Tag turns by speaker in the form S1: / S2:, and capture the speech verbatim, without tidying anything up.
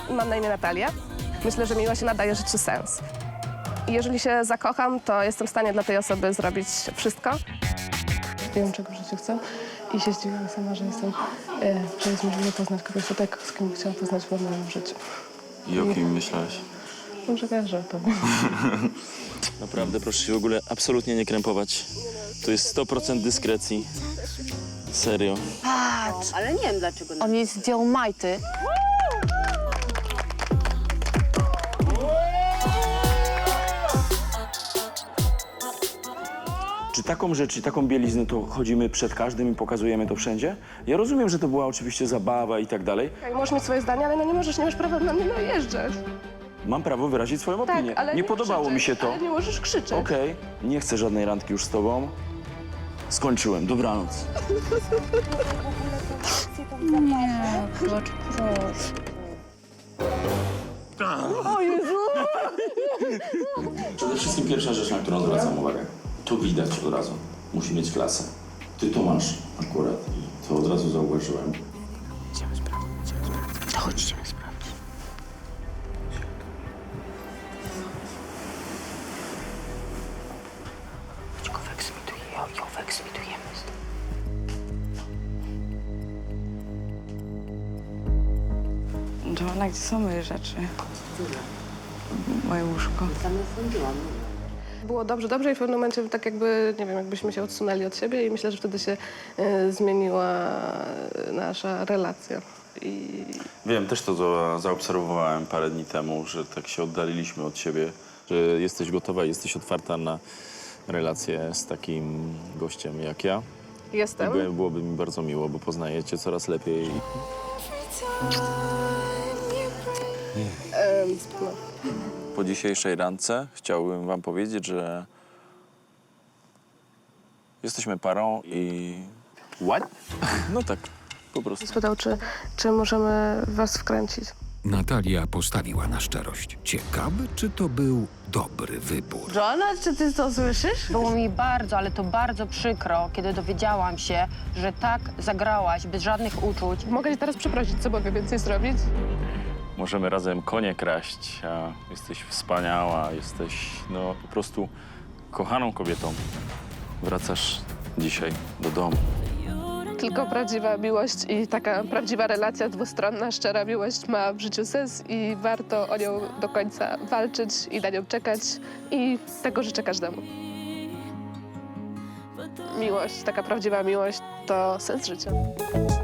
S1: Mam na imię Natalia. Myślę, że miłość nadaje życiu sens. I jeżeli się zakocham, to jestem w stanie dla tej osoby zrobić wszystko. Wiem, czego w życiu chcę i się zdziwiłam sama, że jestem, e, że jest możliwe poznać kogoś tak, z kim chciałam poznać w moim życiu.
S2: I o kim myślałeś?
S1: Może każdy powiem.
S3: Naprawdę, proszę się w ogóle absolutnie nie krępować. To jest sto procent dyskrecji. Serio.
S4: Patrz,
S5: Ale nie wiem dlaczego.
S4: on jej zdjął majty.
S6: Czy taką rzecz i taką bieliznę to chodzimy przed każdym i pokazujemy to wszędzie? Ja rozumiem, że to była oczywiście zabawa i tak dalej.
S1: Możesz mieć swoje zdanie, ale no nie możesz, nie masz prawa na mnie najeżdżać.
S6: Mam prawo wyrazić swoją
S1: Tak,
S6: opinię.
S1: ale
S6: nie
S1: nie
S6: podobało
S1: krzyczeć,
S6: mi się to.
S1: Ale nie możesz krzyczeć.
S6: Okej, nie chcę żadnej randki już z tobą. Skończyłem, dobranoc.
S4: Nie, płacz, proszę.
S2: Przede wszystkim pierwsza rzecz, na którą zwracam uwagę. To widać od razu. Musi mieć klasę. Ty to masz akurat i to od razu zauważyłem.
S5: Idziemy sprawdzić, idziemy sprawdzić. To chodź, idziemy sprawdzić. Chodź go wyeksmitujemy, ją wyeksmitujemy.
S7: Joanna, gdzie są moje rzeczy? Moje łóżko.
S5: Tam sądziłam.
S1: Było dobrze, dobrze i w pewnym momencie tak jakby, nie wiem, jakbyśmy się odsunęli od siebie i myślę, że wtedy się e, zmieniła nasza relacja. I
S2: Wiem, też to za- zaobserwowałem parę dni temu, że tak się oddaliliśmy od siebie. Że jesteś gotowa, jesteś otwarta na relację z takim gościem jak ja. I
S1: jestem.
S2: by- byłoby mi bardzo miło, bo poznaję cię coraz lepiej.
S1: E, no.
S2: Po dzisiejszej randce chciałbym wam powiedzieć, że jesteśmy parą i... What? No tak, po prostu.
S1: Spytał, czy, czy możemy was wkręcić.
S8: Natalia postawiła na szczerość. Ciekawe, czy to był dobry wybór.
S4: Joanna, czy ty to słyszysz?
S5: Było mi bardzo, ale to bardzo przykro, kiedy dowiedziałam się, że tak zagrałaś bez żadnych uczuć.
S1: Mogę cię teraz przeprosić, co mogę więcej zrobić?
S2: Możemy razem konie kraść, a jesteś wspaniała, jesteś no po prostu kochaną kobietą. Wracasz dzisiaj do domu.
S1: Tylko prawdziwa miłość i taka prawdziwa relacja dwustronna, szczera miłość ma w życiu sens i warto o nią do końca walczyć i na nią czekać i tego życzę każdemu. Miłość, taka prawdziwa miłość to sens życia.